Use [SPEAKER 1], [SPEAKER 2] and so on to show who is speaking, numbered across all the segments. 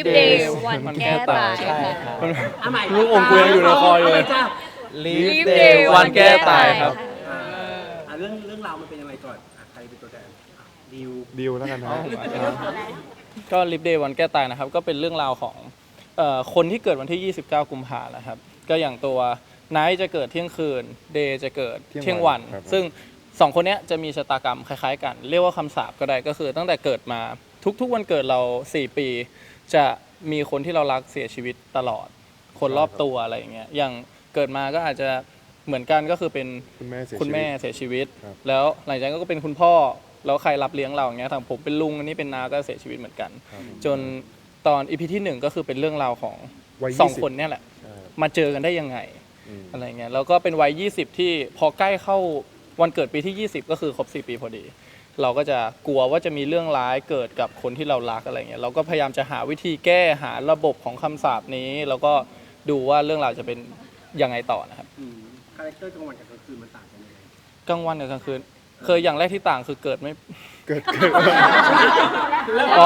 [SPEAKER 1] Leap Day วันแก้ตาย
[SPEAKER 2] ใช่
[SPEAKER 1] ค่ะ
[SPEAKER 2] ครับ
[SPEAKER 3] อ่ะใหม่
[SPEAKER 4] ลูกอมกูยังอยู่ในคออยู่เลย
[SPEAKER 3] าใหม่จ้ะ
[SPEAKER 1] Leap Day วันแก้ตายครับ
[SPEAKER 3] เรื่องราวมันเป็นยังไงก่อนใครเป็นตัวแทนดิว
[SPEAKER 4] ดิวแล้วกันนะ
[SPEAKER 2] ก็ลิฟเดย์วันแก้ตายนะครับก็เป็นเรื่องราวของคนที่เกิดวันที่ 29 กุมภาพันธ์นะครับก็อย่างตัวไนท์จะเกิดเที่ยงคืนเดย์จะเกิดเที่ยงวัน ซึ่งสองคนเนี้ยจะมีชะตากรรมคล้ายๆกัน เรียกว่าคำสาปก็ได้ก็คือตั้งแต่เกิดมาทุกๆวันเกิดเรา 4 ปี จะมีคนที่เรารักเสียชีวิตตลอด คนรอบตัวอะไรอย่างเงี้ยอย่างเกิดมาก็อาจจะเหมือนกันก็คือเป็น
[SPEAKER 4] คุณแม่เสียชีวิต
[SPEAKER 2] เสียชีวิต
[SPEAKER 4] ครับ
[SPEAKER 2] แล้วหลังจากนั้นก็เป็นคุณพ่อแล้วใครรับเลี้ยงเราอย่างเงี้ยทางผมเป็นลุงอันนี้เป็นน้าก็เสียชีวิตเหมือนกัน
[SPEAKER 4] ครับผม
[SPEAKER 2] จนตอนอีพีที่ 1ก็คือเป็นเรื่องราวของ
[SPEAKER 4] วัย
[SPEAKER 2] สอง
[SPEAKER 4] 20
[SPEAKER 2] คนเนี่ยแหละ
[SPEAKER 4] ใช่
[SPEAKER 2] มาเจอกันได้ยังไง
[SPEAKER 4] อืม
[SPEAKER 2] อะไรเงี้ยแล้วก็เป็นวัย 20 ที่พอใกล้เข้าวันเกิดปีที่ 20 ก็คือครบ 4 ปีพอดี เราก็จะกลัวว่าจะมีเรื่องร้ายเกิดกับคนที่เรารักอะไรเงี้ยเราก็พยายามจะหาวิธีแก้หาระบบของคำสาปนี้ แล้วก็ดูว่าเรื่องราวจะเป็นยังไงต่อนะครับ
[SPEAKER 3] คาแรคเตอร์กลางวันกับกลางคืนมันต่างกันยังไง
[SPEAKER 2] กลางวันกับกลางคืนเคยอย่างแรกที่ต่างคือเกิดไม่
[SPEAKER 4] เกิด
[SPEAKER 2] อ๋อ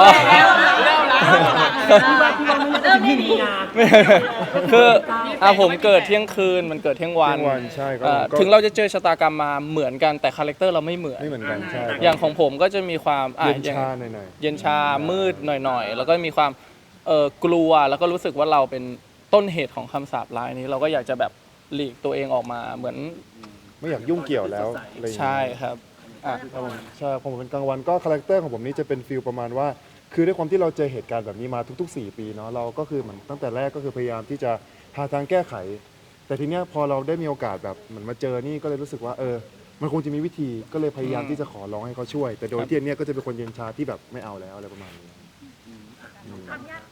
[SPEAKER 3] เริ่มไม่ดีนะ
[SPEAKER 2] คือผมเกิดเที่ยงคืนมันเกิดเที่ยงวัน
[SPEAKER 4] เที่ยงวันใช่ครับ
[SPEAKER 2] อ่า
[SPEAKER 4] ผมก็
[SPEAKER 2] ถึงเราจะเจอชะตากรรมมาเหมือนกันแต่คาแรคเตอร์เราไม่เหมือน
[SPEAKER 4] ไม่เหมือนกันใช่ครับ
[SPEAKER 2] อย่างของผมก็จะมีความ
[SPEAKER 4] เย็น
[SPEAKER 2] อย่าง
[SPEAKER 4] ชาหน่อย
[SPEAKER 2] เย็นชามืดหน่อยๆ แล้วก็มีความกลัวแล้วก็รู้สึกว่าเราเป็นต้นเหตุของคำสาปร้ายนี้ เราก็อยากจะแบบหลีกตัวเองออกมาเหมือน
[SPEAKER 4] ๆไม่อยากยุ่งเกี่ยวแล้วอะไรอย่างเงี้ย
[SPEAKER 2] ใช่ครับอ่ะ
[SPEAKER 4] ครับผมใช่ผมเป็นกลางวันก็คาแรคเตอร์ของผมนี่จะเป็นฟิลประมาณว่า คือด้วยความที่เราเจอเหตุการณ์แบบนี้มาทุกๆ 4 ปีเนาะเราก็คือเหมือนตั้งแต่แรกก็คือพยายามที่จะหาทางแก้ไข แต่ทีเนี้ยพอเราได้มีโอกาสแบบเหมือนมาเจอนี่ก็เลยรู้สึกว่ามันคงจะมีวิธีก็เลยพยายามที่จะขอร้องให้เขาช่วย แต่โดยที่อันเนี้ยก็จะเป็นคนเย็นชาที่แบบไม่เอาแล้วอะไรประมาณนี้อืม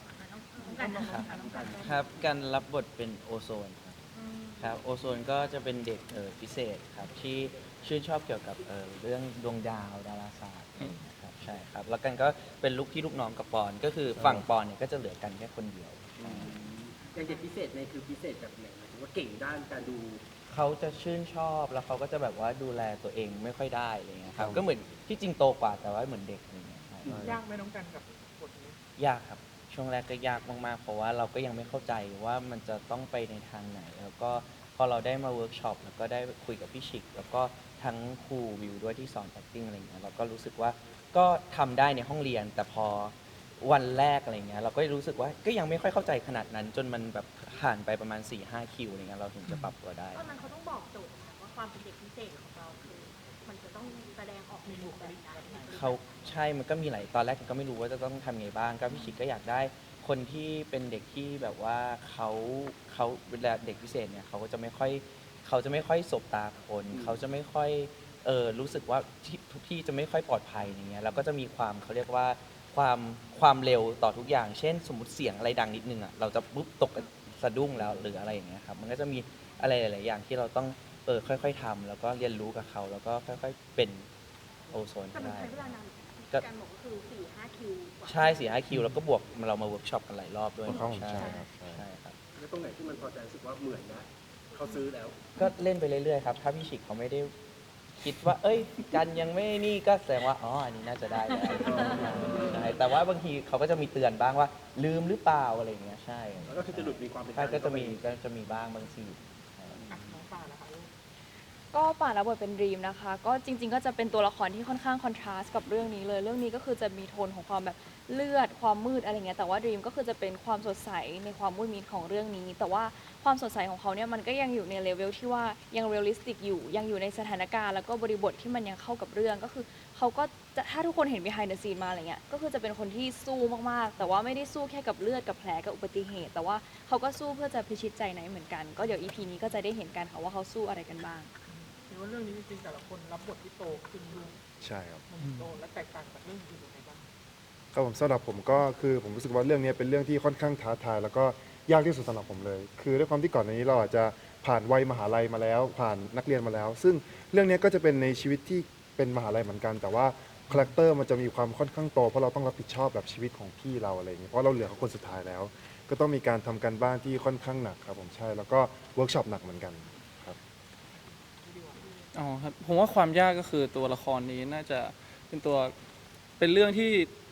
[SPEAKER 5] ครับการรับบทเป็นโอโซนครับโอโซนก็จะเป็นเด็กพิเศษครับที่ชื่นชอบเกี่ยวกับเรื่องดวงดาวดาราศาสตร์ครับใช่ครับแล้วกันก็เป็นลูกพี่ลูกน้องกับปอนก็คือฝั่งปอนเนี่ยก็จะเหลือกันแค่คนเดียว
[SPEAKER 3] อย่างเด็กพิเศษในคือพิเศษแบบไหนหมายถึงว่าเก่งด้านการดู
[SPEAKER 5] เขาจะชื่นชอบแล้วเขาก็จะแบบว่าดูแลตัวเองไม่ค่อยได้อะไรเงี้ยครับก็เหมือนที่จริงโตกว่าแต่ว่าเหมือนเด็กอะไรเงี้ยครับ
[SPEAKER 6] ยากไหมน้องกันกับบทนี้
[SPEAKER 5] ยากครับช่วงแรกก็ยากมากๆเพราะว่าเราก็ยังไม่เข้าใจว่ามันจะต้องไปในทางไหน แล้วก็พอเราได้มาเวิร์กช็อปแล้วก็ได้คุยกับพี่ชิก แล้วก็ทั้งครูวิวด้วยที่สอน acting อะไรเงี้ยเราก็รู้สึกว่าก็ทำได้ในห้องเรียน แต่พอวันแรกอะไรเงี้ยเราก็รู้สึกว่าก็ยังไม่ค่อยเข้าใจขนาดนั้น จนมันแบบผ่านไปประมาณ 4-5 คิวอะไรเงี้ยเราถึงจะปรับตัวได้
[SPEAKER 1] ตอนนั้นเขาต้องบอกโจทย์นะว่าความเป็นเด็กพิเศษของเราคือมันจะต้องแสดงออกในบุคลิกอะไร
[SPEAKER 5] เขาใช่มันก็มีหลายตอนแรกก็ไม่รู้ว่าจะต้องทำไงบ้างก็พี่ชิกก็อยากได้คนที่เป็นเด็กที่แบบว่าเขาเวลาเด็กพิเศษเนี่ยเขาก็จะไม่ค่อยสบตาคนเขาจะไม่ค่อยรู้สึกว่าทุกที่จะไม่ค่อยปลอดภัยอย่างเงี้ยแล้วก็จะมีความเขาเรียกว่าความเร็วต่อทุกอย่าง เช่น สมมติเสียงอะไรดังนิดนึงอ่ะเราจะปุ๊บตกสะดุ้งแล้วหรืออะไรอย่างเงี้ยครับมันก็จะมีอะไรหลาย ๆ อย่างที่เราต้องค่อย ๆทำแล้วก็เรียนรู้กับเขาแล้วก็ค่อย ๆ เป็นโอโซน
[SPEAKER 1] แต่มัน
[SPEAKER 5] ได้
[SPEAKER 1] ใช้เวลานาน
[SPEAKER 5] ก็
[SPEAKER 1] การบอกก็คือ 4-5 คิวกว่า
[SPEAKER 5] ใช่4-5 คิวแล้วก็บวกเรามาเวิร์กช็อปกันหลายรอบด้วย
[SPEAKER 4] เข้า
[SPEAKER 5] ใช่
[SPEAKER 4] ใช่ครับใช่
[SPEAKER 5] ใช่ครับ
[SPEAKER 3] แล้วตรงไหนที่มันพอจะรู้สึกว่าเหมือนนะเขาซื้อแล้ว
[SPEAKER 5] ก็เล่นไปเรื่อยๆครับถ้าพี่ฉิกเขาไม่ได้คิดว่า เอ้ยกันยังไม่นี่ก็แสดงว่าอ๋ออันนี้น่าจะได้แล้วใช่แต่ว่าบางทีเขาก็จะมีเตือนบ้างว่า ลืมหรือเปล่าอะไรอย่างเงี้ยใช่
[SPEAKER 3] แล้วก็คือจะหลุดมีความเป็น
[SPEAKER 5] ใช่ก็จะมีบ้างบางที
[SPEAKER 6] น้องป่านะคะลูก
[SPEAKER 7] ก็ป่านรับบทเป็นดรีมนะคะ ก็จริง ๆ ก็จะเป็นตัวละครที่ค่อนข้างคอนทราสต์กับเรื่องนี้เลย เรื่องนี้ก็คือจะมีโทนของความแบบเลือดความมืดอะไรเงี้ยแต่ว่าดรีมก็คือจะเป็นความสดใสในความมืดมิดของเรื่องนี้ แต่ว่าความสดใสของเขาเนี่ยมันก็ยังอยู่ในเลเวลที่ว่ายังเรียลลิสติกอยู่ยังอยู่ในสถานการณ์แล้วก็บริบทที่มันยังเข้ากับเรื่องก็คือเขาก็จะถ้าทุกคนเห็น behind the scene มาอะไรเงี้ยก็คือจะเป็นคนที่สู้มากๆ แต่ว่าไม่ได้สู้แค่กับเลือดกับแผลกับอุบัติเหตุ แต่ว่าเขาก็สู้เพื่อจะพิชิตใจไหนเหมือนกันก็เดี๋ยว EP นี้ก็จะได้เห็นกันค่ะว่าเขาสู้อะไรกันบ้าง
[SPEAKER 6] เห็นว่าเรื่องนี้จริงๆแต่ละคนรับบทที่โตขึ้นดู
[SPEAKER 4] ใช่ครับ
[SPEAKER 6] มันโตและแตกต่างจากเรื่องอื่นยังไงบ้าง
[SPEAKER 4] ครับผมสำหรับผมก็คือผมรู้สึกว่าเรื่องนี้เป็นเรื่องที่ค่อนข้างท้าทายแล้วก็ยากที่สุดสำหรับผมเลย คือด้วยความที่ก่อนหน้านี้เราอาจจะผ่านวัยมหาลัยมาแล้ว ผ่านนักเรียนมาแล้ว ซึ่งเรื่องนี้ก็จะเป็นในชีวิตที่เป็นมหาลัยเหมือนกัน แต่ว่าคาแรคเตอร์มันจะมีความค่อนข้างโตเพราะเราต้องรับผิดชอบแบบชีวิตของพี่เราอะไรอย่างเงี้ยเพราะเราเหลือเขาคนสุดท้ายแล้ว ก็ต้องมีการทำการบ้านที่ค่อนข้างหนักครับผมใช่แล้วก็เวิร์กช็อปหนักเหมือนกันครับ
[SPEAKER 2] อ๋อครับผมว่าความยากก็คือตัวละครนี้น่าจะเป็นเรื่องที่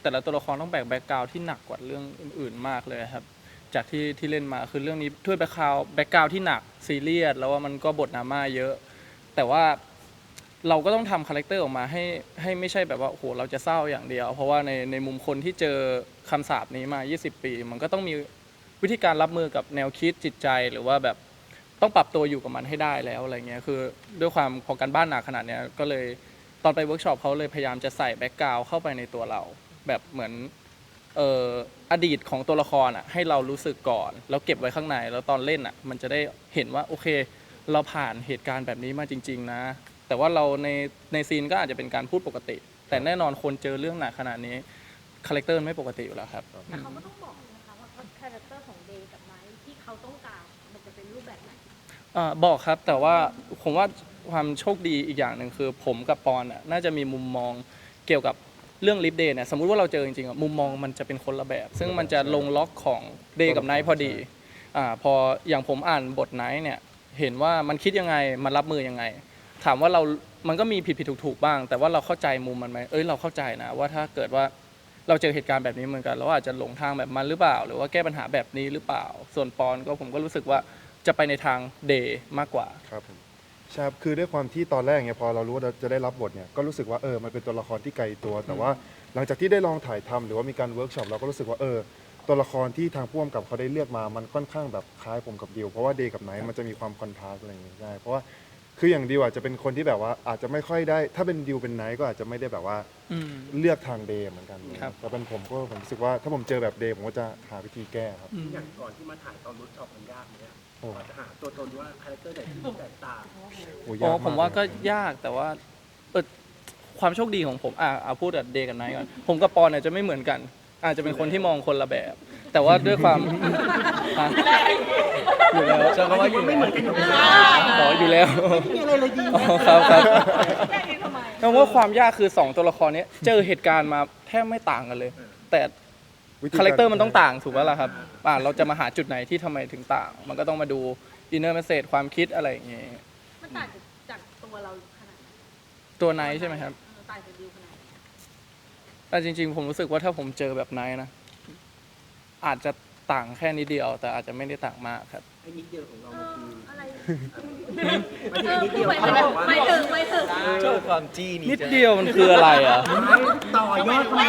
[SPEAKER 2] แต่ละตัวละครต้องแบกแบ็กกราวด์ที่หนักกว่าเรื่องอื่นๆมากเลยครับจากที่เล่นมาคือเรื่องนี้ด้วยแบ็กกราวด์ที่หนักซีเรียสแล้วว่ามันก็บทดราม่าเยอะ แต่ว่าเราก็ต้องทำคาแรคเตอร์ออกมาให้ไม่ใช่แบบว่าโอ้โหเราจะเศร้าอย่างเดียว เพราะว่าในมุมคนที่เจอคำสาปนี้มา 20 ปี มันก็ต้องมีวิธีการรับมือกับแนวคิดจิตใจหรือว่าแบบต้องปรับตัวอยู่กับมันให้ได้แล้วอะไรเงี้ยคือด้วยความพอการบ้านหนักขนาดเนี้ยก็เลยตอนไปเวิร์กช็อปเขาเลยพยายามจะใส่แบ็กกราวด์เข้าไปในตัวเรา แบบเหมือนอดีตของตัวละครอ่ะให้เรารู้สึกก่อนแล้วเก็บไว้ข้างในแล้วตอนเล่นอ่ะมันจะได้เห็นว่าโอเค เราผ่านเหตุการณ์แบบนี้มาจริง ๆ นะ แต่ว่าเราในซีนก็อาจจะเป็นการพูดปกติ แต่แน่นอนคนเจอเรื่องหนักขนาดนี้คาแรคเตอร์ไม่ปกติอยู่แล้วครับ
[SPEAKER 1] แต่เขาก็ต้องบอกนะคะว่าคาแรคเตอร์ของเดย์กับไนท์ที่เขาต้องการมันจะเป็นรูปแบบไหน
[SPEAKER 2] บอกครับแต่ว่าผมว่าความโชคดีอีกอย่างหนึ่งคือผมกับปอนน่าจะมีมุมมองเกี่ยวกับเรื่องลิฟเดย์เนี่ยสมมุติว่าเราเจอจริงๆมุมมองมันจะเป็นคนละแบบ ซึ่งมันจะลงล็อกของเดย์กับไนท์พอดีพออย่างผมอ่านบทไนท์เนี่ยเห็นว่ามันคิดยังไงมันรับมือยังไง ถามว่ามันก็มีผิดถูกบ้าง แต่ว่าเราเข้าใจมุมมันไหมเราเข้าใจนะว่าถ้าเกิดว่าเราเจอเหตุการณ์แบบนี้เหมือนกันเราอาจจะหลงทางแบบมันหรือเปล่า หรือว่าแก้ปัญหาแบบนี้หรือเปล่า ส่วนปอนก็ผมก็รู้สึกว่าจะไปในทางเดย์มากกว่า
[SPEAKER 4] ครับผมใช่ครับคือด้วยความที่ตอนแรกเนี่ยพอเรารู้ว่าเราจะได้รับบทเนี่ยก็รู้สึกว่ามันเป็นตัวละครที่ไกลตัว แต่ว่าหลังจากที่ได้ลองถ่ายทำหรือว่ามีการเวิร์กช็อปเราก็รู้สึกว่าตัวละครที่ทางผู้กำกับเขาได้เลือกมามันค่อนข้างแบบคล้ายผมกับดิวเพราะว่าเดย์กับไนท์มันจะมีความคอนทราสต์อะไรอย่างเงี้ยได้เพราะว่าคืออย่างดิวอาจจะเป็นคนที่แบบว่าอาจจะไม่ค่อยได้ถ้าเป็นดิวเป็นไนท์ก็อาจจะไม่ได้แบบว่าเลือกทางเดย์เหมือนกัน
[SPEAKER 2] ครับ
[SPEAKER 4] แต่เป็นผมรู้สึกว่าถ้าผมเจอแบบเดย์ผมก็จะหาวิธีแก้ครับ
[SPEAKER 3] อย่างก่อนที่มาถ่ายตอนเวิร์กช็อปมันยากไหมอะ
[SPEAKER 4] โอ้
[SPEAKER 3] กว่าจะหาตัวตนว่าคาแรคเตอร์ไหนที่แตกต่าง
[SPEAKER 4] โอ้
[SPEAKER 2] อ๋
[SPEAKER 4] ยา
[SPEAKER 2] อก ผมว่าก็
[SPEAKER 4] เลย
[SPEAKER 2] ยากแต่ว่าความโชคดีของผมเอาพูดกับเดย์กับไนท์ก่อนผมกับปอนเนี่ยจะไม่เหมือนกัน อาจจะเป็นคนที่มองคนละแบบ แต่ว่าด้วยความอ่ะอยู่แล้ว
[SPEAKER 5] ใช่เพราะว่าอยู่
[SPEAKER 3] ไม่เหมือนกันอยู่แล้ว
[SPEAKER 2] อ๋ออยู่แล้ว
[SPEAKER 3] ไม่มีอะไรเลยดี
[SPEAKER 2] อ๋อครับครับ
[SPEAKER 1] แยกนี้ทำไม
[SPEAKER 2] เพราะว่าความยากคือ 2 ตัวละครเนี้ยเจอเหตุการณ์มาแทบไม่ต่างกันเลย แต่
[SPEAKER 4] วิธี
[SPEAKER 2] คาแรคเตอร์มันต้องต่างถูกไหมล่ะครับเราจะมาหาจุดไหนที่ทำไมถึงต่าง มันก็ต้องมาดูอินเนอร์เมสเซจความคิดอะไรอย่างเงี้ย
[SPEAKER 1] มันต่างจากตัวเราขนาดไหน
[SPEAKER 2] ตัวไนท์ใช่ไหมครับ
[SPEAKER 1] ต่างจากดิวขนาดไหน
[SPEAKER 2] แต่จริงๆ ผมรู้สึกว่าถ้าผมเจอแบบไนท์นะ อาจจะต่างแค่นิดเดียว แต่อาจจะไม่ได้ต่างมากครับ
[SPEAKER 3] ไอ้นิดเดียวของเรามันคือ
[SPEAKER 1] อะไร
[SPEAKER 3] ไม่ใช่นิดเดียว
[SPEAKER 1] ไม่
[SPEAKER 3] เขาบอกว่า
[SPEAKER 1] ถึงไม่ถึง
[SPEAKER 5] ชอบความจี้นี่
[SPEAKER 2] นิดเดียวมันคืออะไรอ่ะ
[SPEAKER 3] ต่อยอดมา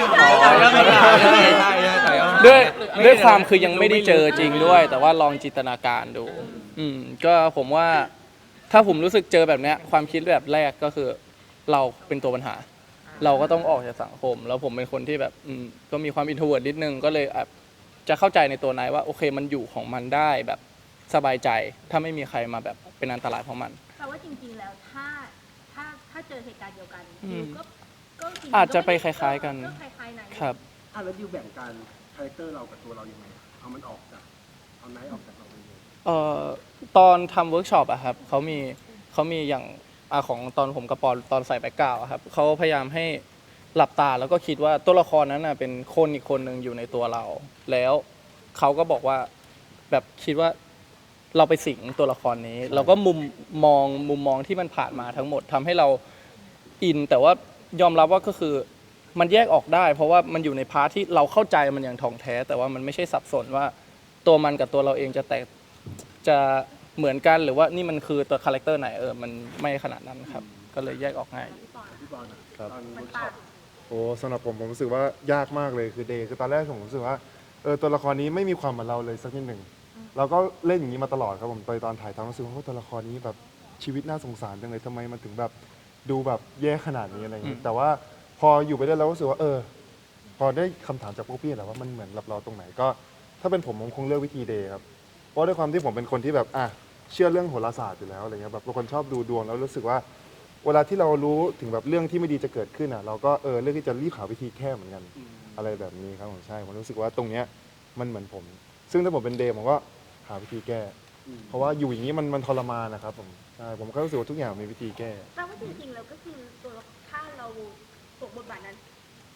[SPEAKER 2] ด้วยความคือยังไม่ได้เจอจริงด้วย แต่ว่าลองจินตนาการดู ก็ผมว่าถ้าผมรู้สึกเจอแบบเนี้ยความคิดแบบแรกก็คือเราเป็นตัวปัญหา เราก็ต้องออกจากสังคม แล้วผมเป็นคนที่แบบก็มีความอินโทรเวิร์ดนิดนึงก็เลยจะเข้าใจในตัวนายว่าโอเคมันอยู่ของมันได้แบบสบายใจ ถ้าไม่มีใครมาแบบเป็นอันตรายเพราะมัน
[SPEAKER 1] แปลว่าจริงๆแล้วถ้าเจอเหตุการณ์เดียวกัน
[SPEAKER 2] อืม
[SPEAKER 1] ดิวก็จริงๆ
[SPEAKER 2] อาจจะไปคล้ายๆกัน
[SPEAKER 1] ก็คล้ายๆไหน
[SPEAKER 2] ครับ
[SPEAKER 3] แล้วดิวแบ่งการคาแรคเตอร์เรากับตัวเรายังไงเอามันออกจากเอาไนท์ออกจากเราไปเลย
[SPEAKER 2] ตอนทำเวิร์กช็อปอะครับเขามีอย่างของตอนผมกับปอนตอนใส่แบ็กกราวด์อะครับเขาพยายามให้หลับตาแล้วก็คิดว่าตัวละครนั้นน่ะเป็นคนอีกคนหนึ่งอยู่ในตัวเรา แล้วเขาก็บอกว่าแบบคิดว่าเราไปสิงตัวละครนี้แล้วก็มุมมองที่มันผ่านมาทั้งหมดทำให้เราอิน แต่ว่ายอมรับว่าก็คือมันแยกออกได้ เพราะว่ามันอยู่ในพาร์ทที่เราเข้าใจมันอย่างถ่องแท้ แต่ว่ามันไม่ใช่สับสนว่าตัวมันกับตัวเราเองจะเหมือนกันหรือว่านี่มันคือตัวคาแรคเตอร์ไหนมันไม่ขนาดนั้นครับ ก็เลยแยกออกง่าย
[SPEAKER 3] พี่บอลอะ
[SPEAKER 4] ครับ
[SPEAKER 3] ตอน
[SPEAKER 1] มั
[SPEAKER 3] เวิ
[SPEAKER 1] น
[SPEAKER 3] ร์กช็
[SPEAKER 1] ต่า
[SPEAKER 3] อง ป
[SPEAKER 4] โอ้สำหรับผมรู้สึกว่ายากมากเลยคือเดย์คือตอนแรกผมรู้สึกว่าตัวละครนี้ไม่มีความเหมือนเราเลยสักนิดหนึ่งเราก็เล่นอย่างนี้มาตลอดครับผมตอนถ่ายทำรู้สึกว่าตัวละครนี้แบบชีวิตน่าสงสารจังเลยทำไมมันถึงแบบดูแบบแย่ขนาดนี้อะไรอย่างนี้แต่ว่าพออยู่ไปได้แล้วรู้สึกว่าพอได้คำถามจากพวกพี่แล้วว่ามันเหมือนกับเราตรงไหนก็ถ้าเป็นผมคงเลือกวิธีเดย์ครับเพราะด้วยความที่ผมเป็นคนที่แบบเชื่อเรื่องโหราศาสตร์อยู่แล้วอะไรเงี้ยแบบเป็นคนชอบดูดวงแล้วรู้สึกว่า เวลาที่เรารู้ถึงแบบเรื่องที่ไม่ดีจะเกิดขึ้นเราก็เลือกที่จะรีบหาวิธีแก้เหมือนกันอะไรแบบนี้ครับผมใช่ผมรู้สึกว่าตรงเนี้ยมันเหมือนผม ซึ่งถ้าผมเป็นเดย์ผมก็หาวิธีแก้ เพราะว่าอยู่อย่างนี้มันทรมานนะครับผมใช่ผมก็รู้สึกว่าทุกอย่างมีวิธีแก้
[SPEAKER 1] แปลว่าจริงๆแล้วก็คือถ้าเราสวมบทบาทนั้น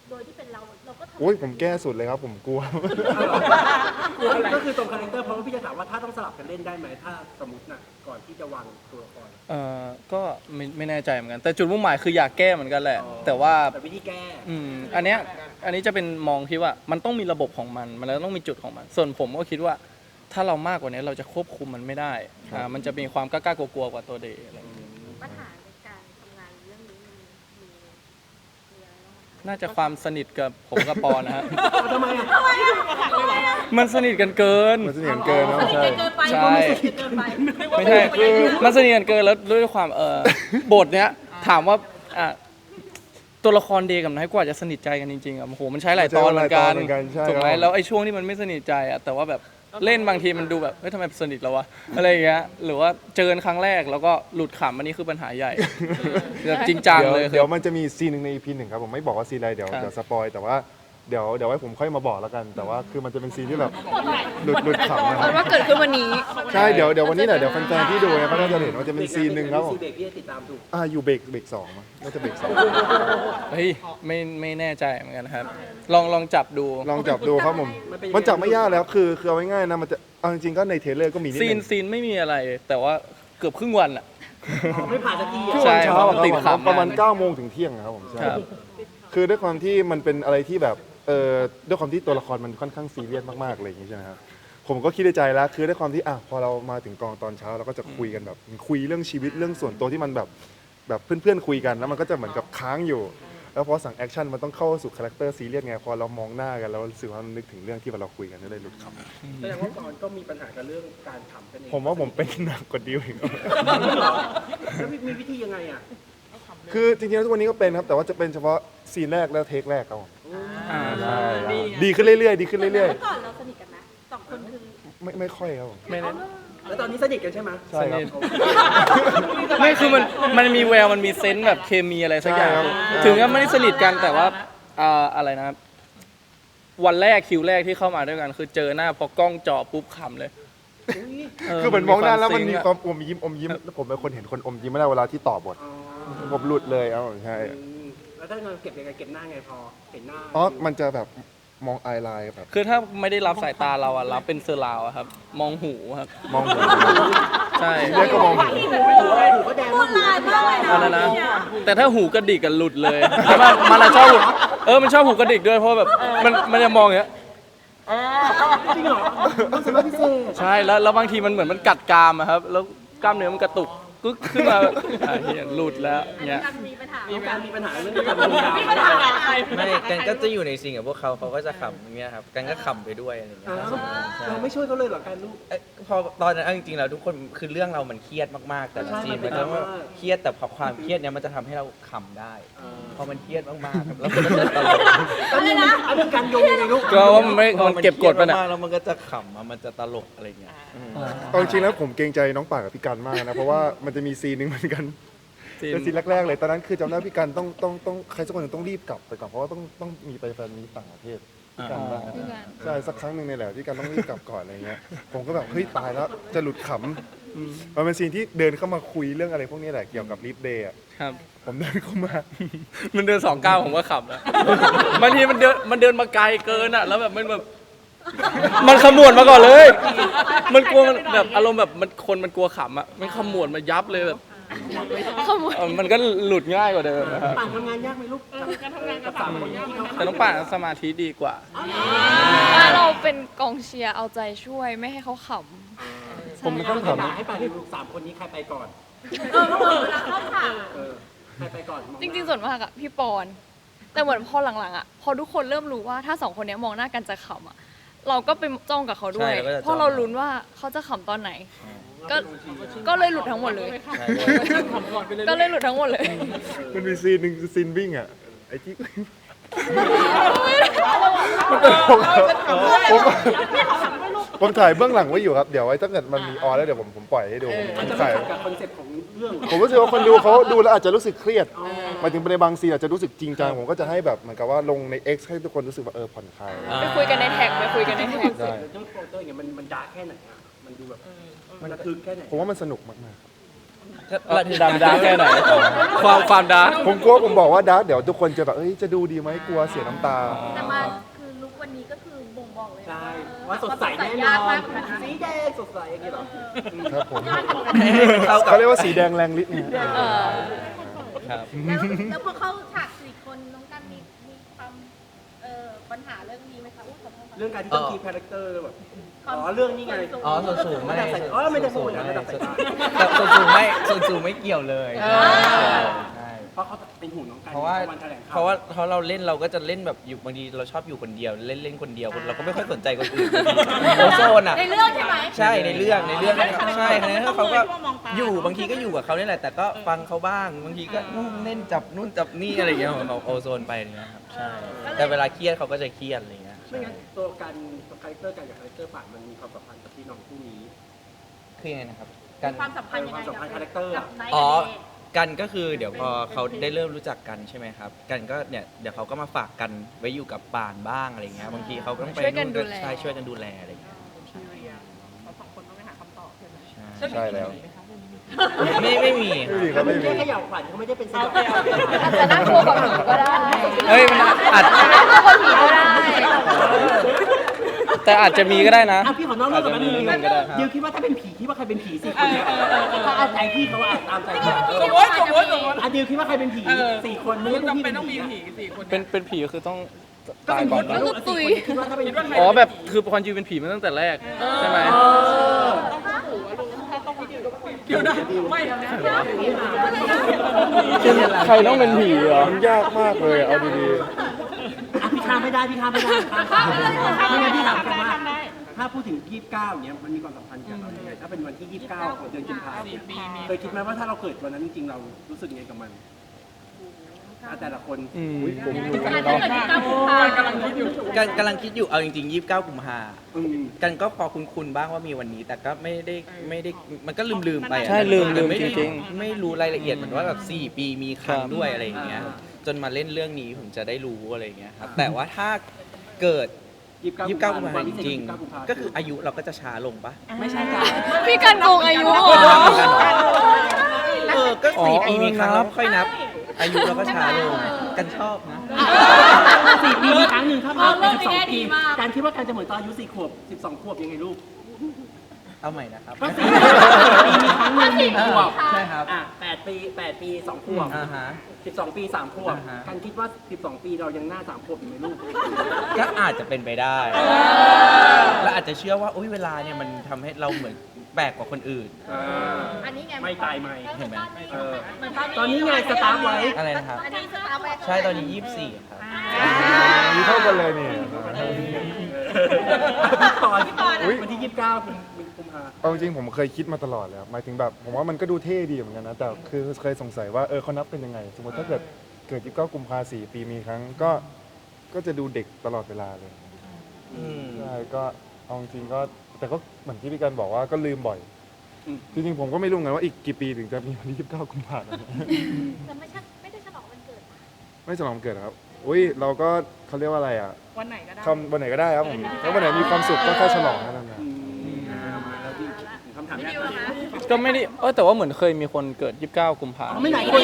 [SPEAKER 1] โดยที่เป็นเราก็ทำ
[SPEAKER 4] โอ้ยผมแก้สุดเลยครับผมกลัว
[SPEAKER 3] ก็คือตรงคาแรคเตอร์เพราะว่าพี่จะถามว่าถ้าต้องสลับกันเล่นได้ไหมถ้าสมมติน่ะก่อนที่จะวางตัวละคร
[SPEAKER 2] ก็ไม่แน่ใจเหมือนกัน แต่จุดมุ่งหมายคืออยากแก้เหมือนกันแหละ
[SPEAKER 3] อ๋อ
[SPEAKER 2] แต่ว่า
[SPEAKER 3] แต่วิธีแก้
[SPEAKER 2] อันนี้จะเป็นมองที่ว่ามันต้องมีระบบของมันแล้วต้องมีจุดของมัน ส่วนผมก็คิดว่าถ้าเรามากกว่านี้เราจะควบคุมมันไม่ได้มันจะมีความกล้าๆกลัวๆกว่าตัวเดย์อะไรอย่างเงี้ย
[SPEAKER 1] ปัญหาในการทำงานเรื่องนี้มันมีอะไรบ้างไหมคะ
[SPEAKER 2] น่าจะความสนิทกับผมกับปอนนะฮะ
[SPEAKER 3] ทำไมอ่ะ
[SPEAKER 2] มันสนิทกันเกิน
[SPEAKER 4] มันจะอย่างเกินนะ
[SPEAKER 1] สนิทกันเกินไป
[SPEAKER 2] ใช่
[SPEAKER 1] สนิทกันเกินไป
[SPEAKER 2] ไม่ใช่คือมันสนิทกันเกินแล้วด้วยความบทเนี้ยถามว่าตัวละครเดย์กับไนท์กว่าจะสนิทใจกันจริงๆอ่ะโอ้โหมันใช้หลายตอนเหมือนกัน
[SPEAKER 4] ใช่
[SPEAKER 2] ถูกไหม
[SPEAKER 4] ครับ
[SPEAKER 2] แล้วไอ้ช่วงที่มันไม่สนิทใจอ่ะแต่ว่าแบบเล่นบางทีมันดูแบบเฮ้ยทำไมสนิทแล้ววะอะไรอย่างเงี้ยหรือว่าเจอกันครั้งแรกแล้วก็หลุดขำอันนี้คือปัญหาใหญ่แบบจริงจังเลย
[SPEAKER 4] เดี๋ยวมันจะมีซีนหนึ่งใน EP 1ครับผมไม่บอกว่าซีนอะไรเดี๋ยว
[SPEAKER 2] ครับ
[SPEAKER 4] สปอยแต่ว่าเดี๋ยวไว้ผมค่อยมาบอกแล้วกัน แต่ว่าคือมันจะเป็นซีนที่แบบหลุดขำนะค
[SPEAKER 7] เอา
[SPEAKER 4] รับ
[SPEAKER 7] ว่าเกิดขึ้นวันนี้
[SPEAKER 4] ใช่เดี๋ยววันนี้แหละเดี๋ยวแฟนๆที่ดูเนี่ยเขาน่าจะเห็นว่าจะเป็นซีนหนึ่งครับผม
[SPEAKER 3] ซีเบรกพี่จะติดตามถูก
[SPEAKER 4] อยู่เบรกสองมั้งน่าจะเบรกสอง
[SPEAKER 2] เฮ้ยไม่แน่ใจเหมือนกันครับลองจับดู
[SPEAKER 4] ลองจับดูครับผมมันจับไม่ยากแล้วคือเอาง่ายๆนะมันจะเอาจริงๆก็ในเทรลเลอร์ก็มีนิดนึง
[SPEAKER 2] ซีนไม่มีอะไร แต่ว่าเกือบครึ่งวันอ่ะ
[SPEAKER 3] ไม่ผ่านสักที
[SPEAKER 4] ช่ว
[SPEAKER 2] ใช่
[SPEAKER 4] งเช้าอะ
[SPEAKER 2] ติด
[SPEAKER 4] ครับ
[SPEAKER 2] ขำ
[SPEAKER 4] ประมาณ
[SPEAKER 2] มาก
[SPEAKER 4] 9 โมงถึงเที่ยงอะครับผมใช่
[SPEAKER 2] ครับ
[SPEAKER 4] คือด้วยความที่มันเป็นอะไรที่แบบด้วยความที่ตัวละครมันค่อนข้างซีเรียสมากๆอะไรอย่างนี้ใช่ไหมครับผมก็คิดในใจแล้วคือด้วยความที่พอเรามาถึงกองตอนเช้าเราก็จะคุยกันแบบคุยเรื่องชีวิตเรื่องส่วนตัวที่มันแบบเพื่อนๆคุยกันแล้วมันก็จะเหมือนกับค้างอยู่ แล้วพอสั่งแอคชั่นมันต้องเข้าสู่คาแรคเตอร์ซีเรียสไงพอเรามองหน้ากันแล้วรู้สึกว่ามันนึกถึงเรื่องที่เราคุยกันก็เลยหลุดค
[SPEAKER 3] แสดงว่าก่อนก็มีปัญหากับเรื่องการขำกันเอง
[SPEAKER 4] ำผมว่าผมเป็นหนักกว่าดิวอีก
[SPEAKER 3] แล้วมีวิธียังไงอ่ะ
[SPEAKER 4] คือจริงๆแล้วทุกวันนี้ก็เป็นครับแต่ว่าจะเป็นเฉพาะซีนแรกแล้วเทคแรกครับผม ใช่ครับดีขึ้นเรื่อยๆดีขึ้นเรื่อย
[SPEAKER 1] เมื่อก่อนเราสนิทกันไหมสองคนคือ
[SPEAKER 4] ๆไม่ค่อยครับผม
[SPEAKER 2] ไม่แน่
[SPEAKER 3] แล้วตอนนี้สนิทกันใช่ไหม
[SPEAKER 4] ใช่ครับ
[SPEAKER 2] ไม่คือมันมีแววมันมีเซนส์แบบเคมีอะไรสักอย่าง
[SPEAKER 4] ใช่ครับ
[SPEAKER 2] ถึงจะไม่ได้สนิทกันแต่ว่าอะไรนะครับวันแรกคิวแรกที่เข้ามาด้วยกัน คือเจอหน้าพอกล้องจ่อปุ๊บขำเลย
[SPEAKER 4] คือเหมือนมองหน้าแล้วมันมี
[SPEAKER 2] ซิงค์
[SPEAKER 4] ค
[SPEAKER 2] อะ
[SPEAKER 4] วามอมยิ้มแล้วผมเป็นคนเห็นคนอมยิ้มไม่ได้เวลาที่ตอบบทผมหลุดเลยครับผมใช่
[SPEAKER 3] แล้วถ้าเงินเก็บยังไงเก็บหน้าไงพอเห็นหน้า
[SPEAKER 4] มันจะแบบมองไอไลน์แบบ
[SPEAKER 2] คือถ้าไม่ได้รับสายตาเราอะรับเป็นเซอร์ราวอะครับ มองหูครับ
[SPEAKER 4] มองหู
[SPEAKER 2] ใช่
[SPEAKER 4] เรียกก็มองหู
[SPEAKER 3] หูก็แดง
[SPEAKER 1] พูดลายมากเลยนะ
[SPEAKER 2] อันนั้นนะ แต่ถ้าหูกระดิกกันหลุดเลยแต่มันอะชอบหูมันชอบหูกระดิกด้วยเพราะแบบมันจะมองอย่างเงี้ย
[SPEAKER 3] จริงเหรอรู้สึกว่าพิเศษ
[SPEAKER 2] ใช่แล้วบางทีมันเหมือนมันกัดกรามอะครับ แล้วกล้ามเนื้อมันกระตุกกึกขึ้นมาแบบเหี้ยหลุดแล้ว
[SPEAKER 1] อันนี้
[SPEAKER 2] เนี่ย
[SPEAKER 1] การมีปัญหา
[SPEAKER 3] มีการมีปัญหาเรื่องการดูดาว
[SPEAKER 1] มีปัญหาอะไร
[SPEAKER 5] ไม่กันก็จะอยู่ในซีนกับพวกเขาก็จะขำอย่างเงี้ยครับกันก็ขำไปด้วยอะไรอย่างเงี้ยครับใช่
[SPEAKER 3] เราไม่ช่วยเขาเลยเหรอการลูก
[SPEAKER 5] พอตอนนั้นเอาจริงๆแล้วทุกคนคือเรื่องเรามันเครียดมากๆ แต่ละซีนมันก็เครียดแต่พอความเครียดเนี้ยมันจะทำให้เราขำได้ พอมันเครียดมากๆครับแล้วมันก็จะตลก
[SPEAKER 3] อันนี้นะอันนี้การโยงยังไงลูก
[SPEAKER 2] ก็ว่ามันเก็บกดไป
[SPEAKER 5] พอ
[SPEAKER 2] น่ะ
[SPEAKER 5] เครียมากๆแล้วมันก็จะขำอะมันจะตลกอะไรเงี้ย
[SPEAKER 4] เอาจริงๆแล้วผมเกรงใจน้องป่ากับพี่กันมากนะเพราะว่ามันจะมีซีนหนึ่งเหมือนกันเป็นซีนแรกๆเลยตอนนั้นคือจำได้พี่กันต้องใครสักคนหนึ่งต้องรีบกลับไปก่อนเพราะว่าต้องมีไปแฟนมีตต่างประเทศพี่กันบ้าง
[SPEAKER 7] พี่กัน
[SPEAKER 4] ใช่สักครั้งหนึ่งในแหละพี่กันต้องรีบกลับก่อนอะไรเงี้ยผมก็แบบเฮ้ยตายแล้วจะหลุดขำมันเป็นซีนที่เดินเข้ามาคุยเรื่องอะไรพวกนี้แหละเกี่ยวกับลิฟเดย์
[SPEAKER 2] ครับ
[SPEAKER 4] ผมเดินเข้ามา
[SPEAKER 2] มันเดิน2 ก้าวผมก็ขำแล้วบางทีมันเดินมาไกลเกินอะแล้วแบบมันขมวดมาก่อนเลย มันกลัวมันแบบอารมณ์แบบมันกลัวขำอะมันขมวดมายับเลยแบบ
[SPEAKER 7] ขโมย
[SPEAKER 2] มันก็หลุดง่ายกว่าเดิมนะครับ
[SPEAKER 3] ต่างทำงานยากไหมลูกการทำงานกับสามคนที่เขา
[SPEAKER 2] แต่น้องป่านสมาธิดีกว่า
[SPEAKER 7] เราเป็นกองเชียร์เอาใจช่วยไม่ให้เขาขำ
[SPEAKER 4] ผมต้อง
[SPEAKER 3] ถาม
[SPEAKER 4] ทำ
[SPEAKER 3] ให้ไปลูกสามคนนี้ใครไปก่อน
[SPEAKER 1] เขาบอกเวลาเข้าฉาก
[SPEAKER 3] ใครไปก่อน
[SPEAKER 7] จริงๆส่วนมากอะพี่ปอน แต่เหมือนพอหลังๆอะพอทุกคนเริ่มรู้ว่าถ้าสองคนเนี้ยมองหน้ากันจะขำอะเราก็ไปจ้องกับเขาด้วย
[SPEAKER 5] ใช่เราก็จะจ้อง
[SPEAKER 7] เพราะเราลุ้นว่าเขาจะขำตอนไหน ก็เลยหลุดทั้งหมดเลย
[SPEAKER 5] ใช่
[SPEAKER 7] ก็เลยหลุดทั้งหมดเลย
[SPEAKER 4] มันมีซีนหนึ่งคือซีนวิ่งอ่ะไอ้ที่ ผมถ่ายเบื้องหลังไว้อยู่ครับ เดี๋ยวไว้ถ้าเกิดมันมีออนแล้วเดี๋ยวผมปล่อยให้ดูผ
[SPEAKER 3] มัน
[SPEAKER 4] ม
[SPEAKER 3] จะไม่
[SPEAKER 4] ถ่าย
[SPEAKER 3] ขัดกับคอนเซ็ปต์ของเรื่อง
[SPEAKER 4] ผมรู้สึกว่าคนดูเขาดูแล้วอาจจะรู้สึกเครียดหมายถึงในบางซีนอาจจะรู้สึกจริงจังผมก็จะให้แบบเหมือนกับว่าลงใน X ให้ทุกคนรู้สึกว่าผ่อนคลาย
[SPEAKER 7] ไปคุยกันในแท็กไปคุยกันในแท็ก
[SPEAKER 3] เรื่องโปรเตอร์อย่างมันดาร์กแค่ไหนอ่ะมันดูแบบมันระทึกแค่ไหน
[SPEAKER 4] ผมว่ามันสนุกมากๆครับ
[SPEAKER 2] ดำดาร์กแค่ไหนความดาร์ก
[SPEAKER 4] ผมกลัวผมบอกว่าดาร์กเดี๋ยวทุกคนจะแบบเอ้ยจะดูดีไหมกลัวเสียน้ำตา
[SPEAKER 1] แต่มาคือลุควันนี้ก็คือบ่งบอกเลย
[SPEAKER 3] ใช่
[SPEAKER 1] นะ
[SPEAKER 3] ว่าสดใสแน่น
[SPEAKER 1] ยา
[SPEAKER 3] อก
[SPEAKER 1] มาน กเหมือนกัน
[SPEAKER 3] สีแดงสดใสอย่างนี้เหรอ
[SPEAKER 4] ครับผม
[SPEAKER 5] เข้ากับ
[SPEAKER 4] เขาเรียกว่าสีแดงแรงฤทธิ์เนี่ย
[SPEAKER 5] ครับ
[SPEAKER 1] แล้วพอเข้าฉาก4 คนน้องกันมีความปัญหาเรื่องนี้ไหมคะขอโทษค่ะ
[SPEAKER 3] เรื่องการที่ต้องคีปคาแรคเตอร์แบบอ๋อเรื่องนี้ไง
[SPEAKER 5] อ๋อส่วนสูงไม่
[SPEAKER 3] ระดับสายอ๋อไม่ได้พูดนะ
[SPEAKER 5] ส่วน
[SPEAKER 3] ระดับสายตา
[SPEAKER 5] ส่วนสูงไม่ส่วนสูงไม่เกี่ยวเลยใช่
[SPEAKER 3] เพราะเขาเป็นห่วงน้องกัน
[SPEAKER 5] เพราะว่า
[SPEAKER 3] วันแถลงข่าว
[SPEAKER 5] เพราะเราเล่นเราก็จะเล่นแบบอยู่บางทีเราชอบอยู่คนเดียวเล่นคนเดียวเราก็ไม่ค่อยสนใจคนอื่นโอโซนอ่ะ
[SPEAKER 1] ในเรื่องใช่ไหม
[SPEAKER 5] ใช่ในเรื่องใช่เขาก็อยู่บางทีก็อยู่กับเขาเนี่ยแหละแต่ก็ฟังเขาบ้างบางทีก็เล่นจับนู่นจับนี่อะไรอย่างเงี้ยของโอโซนไปอย่างเงี้ยครับใช่แต่เวลาเครียดเขาก็จะเครียดอะไรอย่างเงี้ย
[SPEAKER 3] ไม่งั้นตัวกันตัวคาแรคเตอร์กันกับคาแรคเตอร์ป่านมันมีความสัมพันธ์กับพี่น้องคู่นี้
[SPEAKER 5] คือยังไงนะครับกัน
[SPEAKER 1] ความสัมพันธ์ยังไง
[SPEAKER 3] ความสัมพันธ์คาแรคเตอร์
[SPEAKER 1] กับไนท์
[SPEAKER 5] อ๋อ
[SPEAKER 1] กับเดย์
[SPEAKER 5] กันก็คือเดี๋ยวพอเขาได้เริ่มรู้จักกันใช่ไหมครับ กันก็เนี่ยเดี๋ยวเขาก็มาฝากกันไว้อยู่กับป่านบ้างอะไรเงี้ยบางทีเขาก็ต้องไป
[SPEAKER 7] ช่วยกันดูแล
[SPEAKER 5] ใช่ช่วยกันดูแลอะไรเงี้ย
[SPEAKER 6] ทีเรียเรา2 คนต้องไปหาคำตอบใช่ไหม
[SPEAKER 5] ใช่
[SPEAKER 4] ใช่แล้ว
[SPEAKER 5] ไม่มี
[SPEAKER 4] ไม่มีครับไม่มี
[SPEAKER 3] แค่เขย่าขวัญเขาไม่ได้เป็นสยอง
[SPEAKER 7] อาจจะน่ากลัวกว่าผีก็ได้
[SPEAKER 2] เฮ้ยมันอาจ
[SPEAKER 7] น่ากลัวกว่าผีก็ได้
[SPEAKER 2] แต่อาจจะมีก็ได้นะ
[SPEAKER 3] อ่ะพี่ขอนอกเรื่อง
[SPEAKER 2] อาจ
[SPEAKER 3] กับ
[SPEAKER 2] จะ
[SPEAKER 3] แป๊บ
[SPEAKER 2] มี
[SPEAKER 3] นึง
[SPEAKER 2] นิดนึงก็ได้
[SPEAKER 3] เดี๋ยวคิดว่าถ้าเป็นผีคิดว่าใครเป็นผี4 คนเนี่ยถ้าเอาใจพี่เขาตามใจพี่
[SPEAKER 6] สมมติ
[SPEAKER 3] อ่ะเดี๋ยวคิดว่าใครเป็นผี4 คนไม่
[SPEAKER 6] ไม่
[SPEAKER 3] ใช่พวก
[SPEAKER 6] จำ
[SPEAKER 3] พี่
[SPEAKER 6] เป็
[SPEAKER 3] เป็น น
[SPEAKER 6] ต้องมี
[SPEAKER 3] ผี
[SPEAKER 6] ผี4 คน
[SPEAKER 2] เป็นผีคือต้อง
[SPEAKER 3] ก็
[SPEAKER 2] ตาย
[SPEAKER 3] เป็น
[SPEAKER 2] ก่
[SPEAKER 3] ผี
[SPEAKER 2] อน
[SPEAKER 3] นะ
[SPEAKER 2] นะ
[SPEAKER 3] ลูก4 คนคิดว่าถ้าเป็นผี
[SPEAKER 2] อ๋อแบบคือความจริงเป็นผีมาตั้งแต่แรกใช่ไหม
[SPEAKER 6] เดี๋ยวนะไม่นะ
[SPEAKER 2] ใครต้องเป็นผีเหรอ
[SPEAKER 4] มันยากมากเลยเอาดี
[SPEAKER 3] อ่ะพี่ข้ามไม่ได้พี่ข้ามไม่ได้ไม่งั้นพี่ถามกันว่าถ้าพูดถึง29เนี่ยมันมีความสัมพันธ์กับเรายังไงถ้าเป็นวันที่29ของเดือนกุมภาพันธ์เนี่ยเคยคิดไหมว่าถ้าเราเกิดวันนั้นจริงๆเรารู้สึกยังไงกับมันอ่ะแต่ละคน
[SPEAKER 2] อืม
[SPEAKER 4] ๆผมอยู่
[SPEAKER 1] การ
[SPEAKER 4] เนาะ
[SPEAKER 1] เกิดที่9 กุมภาพันธ์
[SPEAKER 6] กำลังคิดอยู่
[SPEAKER 5] กำลังคิดอยู่เอาจริงๆ29 กุมภา
[SPEAKER 3] อืม
[SPEAKER 5] กันก็พอคุ้นๆบ้างว่ามีวันนี้ แต่ก็ไม่ได้มันก็ลืมๆไปอะ
[SPEAKER 2] ใช่ลืม
[SPEAKER 5] แต่ไม่
[SPEAKER 2] จริง
[SPEAKER 5] ไม่รู้รายละเอียดเหมือนว่าแบบ4 ปีมีครั้ง
[SPEAKER 2] ครับ
[SPEAKER 5] ด้วยอะไรอย่างเงี้ยจนมาเล่นเรื่องนี้ผมจะได้รู้อะไรอย่างเงี้ยครับแต่ว่าถ้าเกิด 29 กุมภาพันธ์จริงๆก็คืออายุเราก็จะช้าลงปะ
[SPEAKER 3] ไม่ใช่จ้ะ
[SPEAKER 7] พี่กันโกงอายุเหรอ
[SPEAKER 5] ก็
[SPEAKER 2] อ๋อ
[SPEAKER 5] 4 ปีมีครั้ง
[SPEAKER 2] นั
[SPEAKER 5] เรา
[SPEAKER 2] บ
[SPEAKER 5] ค่อยนับ อายุเราก็ช้าลงกันชอบนะ
[SPEAKER 3] 4 ปีมีครั้งหนึ่งถ้าผ่านไป12 ปีการคิดว่าการจะเหมือนตอนอายุ4 ขวบ 12 ขวบยังไงลูก
[SPEAKER 5] เอาใหม่นะครับ
[SPEAKER 3] ก็4 ปีมีครั้งหนึ่ง1 ขวบ
[SPEAKER 5] ใช่ครับ
[SPEAKER 3] อ่ะ8 ปี 2 ขวบ
[SPEAKER 5] อ่าฮะ
[SPEAKER 3] 12 ปี 3 ขวบ
[SPEAKER 5] อ่าฮะ
[SPEAKER 3] การคิดว่า 12 ปีเรายังหน้า 3 ขวบอยู่ไหมลูก
[SPEAKER 5] ก็อาจจะเป็นไปได้และอาจจะเชื่อว่าอุ๊ยเวลาเนี่ยมันทำให้เราเหมือนแปลกกว่าคนอื่น
[SPEAKER 1] อันนี้ไง
[SPEAKER 3] ไม่ตายไม่
[SPEAKER 5] เห็นไหม
[SPEAKER 3] ตอนนี้ไงสตาร์ทไว้
[SPEAKER 5] อะไรนะครับ
[SPEAKER 1] อันนี้สตาร์ไว้
[SPEAKER 5] ใช่ตอนนี้ 24 ครับ
[SPEAKER 4] มีเท่ากันเลยนี่
[SPEAKER 3] พี่ปอนวันที่ 29 กุมภา
[SPEAKER 4] เอาจริงๆผมเคยคิดมาตลอดเลยครับหมายถึงแบบผมว่ามันก็ดูเท่ดีเหมือนกันนะแต่คือเคยสงสัยว่าเขานับเป็นยังไง สมมติถ้าเกิด29 กุมภา4 ปีมีครั้งก็จะดูเด็กตลอดเวลาเลย
[SPEAKER 5] อืม
[SPEAKER 4] ใช่ก็เอาจริงๆก็แต่ก็เหมือนที่พี่กันบอกว่าก็ลืมบ่อย จริงๆผมก็ไม่รู้เหมือนกันว่าอีกกี่ปีถึงจะมีวันที่29 กุมภาพันธ์
[SPEAKER 1] แต่ไม่ได้ฉลองวันเกิดนะ
[SPEAKER 4] ไม่ฉลองวันเกิดครับอุ้ยเราก็เขาเรียกว่าอะไรอ่ะ
[SPEAKER 6] วันไหนก็ได้
[SPEAKER 4] วันไหนก็ได้ครับผมถ้าวันไหนมีความสุขก็แค่ฉลองแค่นั้นนะ
[SPEAKER 3] แล้วที่คำถามแรก
[SPEAKER 2] ก็ไม่ได้แต่ว่าเหมือนเคยมีคนเกิด 29 กุมภาพันธ์
[SPEAKER 3] ไม่ไหนคน